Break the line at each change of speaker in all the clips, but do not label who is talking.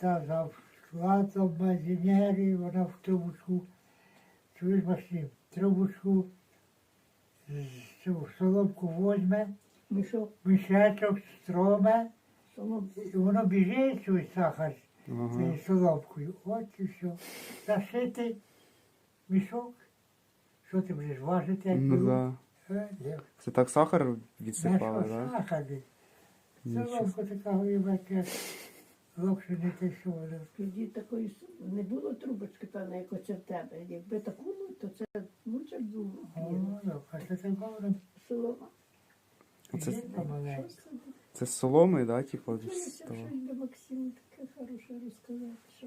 Златом мазінері, вона в трубочку, чуєш, Максим, трубочку, цю соломку возьме,
Мішок,
мішечок строме,
соломку.
і воно біжить, цей сахар,
Ага.
цією соломкою. От і все. Зашити мішок, що ти будеш важити, як
Ну
беруть?
да. Це так сахар відсипали,
Знаєш,
так?
сахарний.
Нічого.
Соломку така, як локше не те, що вона.
Тоді такої не було трубочки, певно, як оце в тебе. Якби таку, ну, то це лучше б було.
О, ну, а це так воно.
Солома.
Оце-
Жінка маленька.
Що це?
Це з соломи, да, типу, з
Щось
того?
би Максим таке хороше розказав, що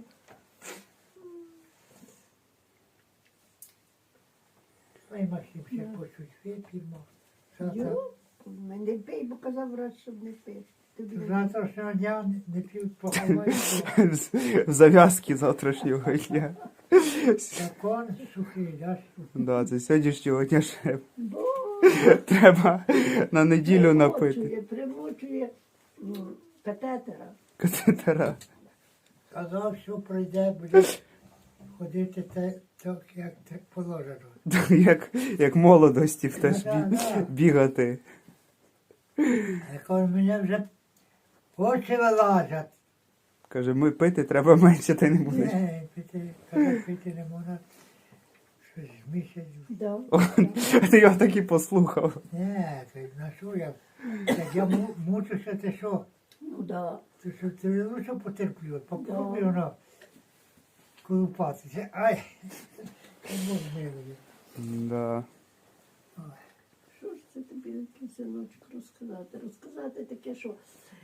Ой, Максим, ще
Да.
почуть вип'ємо. Завтра,
йо, не пий, бо казав врач, щоб не пив. Тобі не-
завтрашнього дня не п'ють поховати.
В зав'язки завтрашнього дня.
Закон сухий, да?
Да, це сьогоднішнього дня ще
Бо
треба на неділю напити.
примочує катетера.
Катетера.
Казав, що пройде, буде ходити так, як положено.
Як молодості теж
Да, да.
бігати.
Я кажу, мене вже очі вилазять.
Каже, ми пити треба менше, та й не будеш.
Не, пити не можна. Щось місяць.
Да.
Ти його так і послухав.
Не, ти на що я? Як я мучуся, ти що?
Ну да.
Ти що, ти лучше потерплю, попробуй воно колупатися. Ай! Бог милує.
Да.
Що ж це тобі, синочок, розказати? Розказати таке, що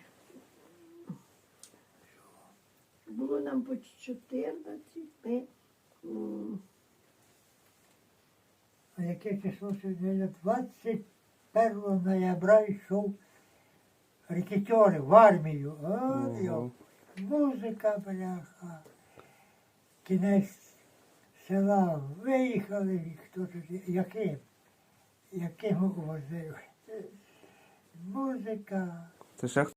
було нам по 14, ми
А яке число сьогодні? 21 ноября йшов рекетери в армію. Ой,
Ого.
музика, бляха. Кінець села виїхали, і хто тут, яким возив. Музика.
Це ще